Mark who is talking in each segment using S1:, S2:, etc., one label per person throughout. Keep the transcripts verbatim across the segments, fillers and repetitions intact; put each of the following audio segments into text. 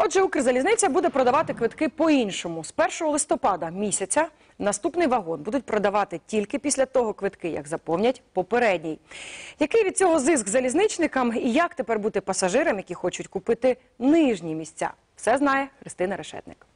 S1: Отже, Укрзалізниця буде продавати квитки по-іншому. З першого листопада місяця наступний вагон будуть продавати тільки після того квитки, як заповнять попередній. Який від цього зиск залізничникам і як тепер бути пасажирам, які хочуть купити нижні місця? Все знає Христина Решетник.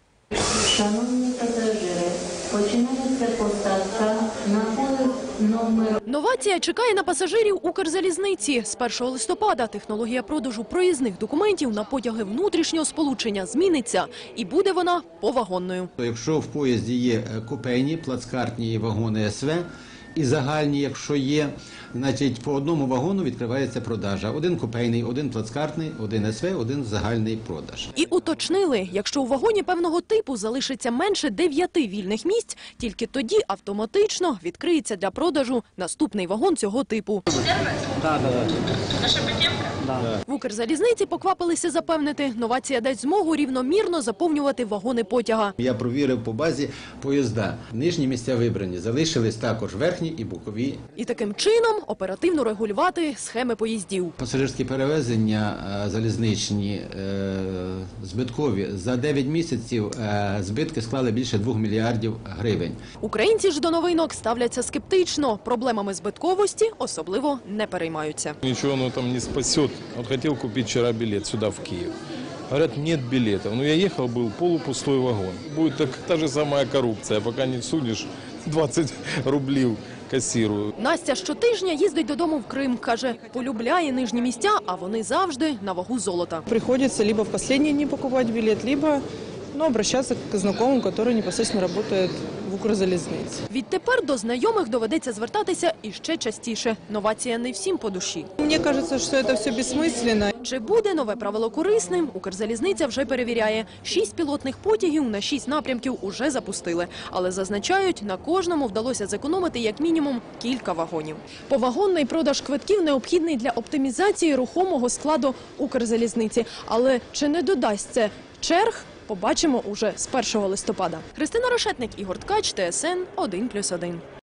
S2: Шановні пасажири, починається посадка на поїзд номер...
S3: Новація чекає на пасажирів Укрзалізниці. З першого листопада технологія продажу проїзних документів на потяги внутрішнього сполучення зміниться. І буде вона повагонною.
S4: Якщо в поїзді є купейні, плацкартні і вагони ес ве, і загальні, якщо є, значить по одному вагону відкривається продажа. Один купейний, один плацкартний, один ес ве, один загальний продаж.
S3: І уточнили, якщо у вагоні певного типу залишиться менше дев'яти вільних місць, тільки тоді автоматично відкриється для продажу наступний вагон цього типу.
S5: Так, так.
S3: Наша п'ятірка? В Укрзалізниці поквапилися запевнити, новація дасть змогу рівномірно заповнювати вагони потяга.
S4: Я провірив по базі поїзда. Нижні місця вибрані, залишились також верхні і бокові.
S3: І таким чином оперативно регулювати схеми поїздів.
S4: Пасажирські перевезення е, залізничні е, збиткові. За дев'ять місяців е, збитки склали більше двох мільярдів гривень.
S3: Українці ж до новинок ставляться скептично. Проблемами збитковості особливо не переймаються.
S6: Ничего оно там не спасет. Вот хотел купить вчера билет сюда, в Киев. Говорят, нет билетов. Но я ехал, был полупустой вагон. Будет так, та же самая коррупция, пока не судишь двадцять рублів касірую.
S3: Настя щотижня їздить додому в Крим. Каже, полюбляє нижні місця, а вони завжди на вагу золота.
S7: Приходится либо в последний день покупать билет, либо ну, обращаться к знакомым, которые непосредственно работают в Укрзалізниці.
S3: Відтепер до знайомих доведеться звертатися іще частіше. Новація не всім по душі.
S7: Мені кажется, що це все безсмисленно.
S3: Чи буде нове правило корисним? Укрзалізниця вже перевіряє. Шість пілотних потягів на шість напрямків уже запустили. Але зазначають, на кожному вдалося зекономити як мінімум кілька вагонів. Повагонний продаж квитків необхідний для оптимізації рухомого складу Укрзалізниці. Але чи не додасть це черг? Побачимо уже з першого листопада. Христина Решетник, Ігор Ткач, Т С Н один плюс один.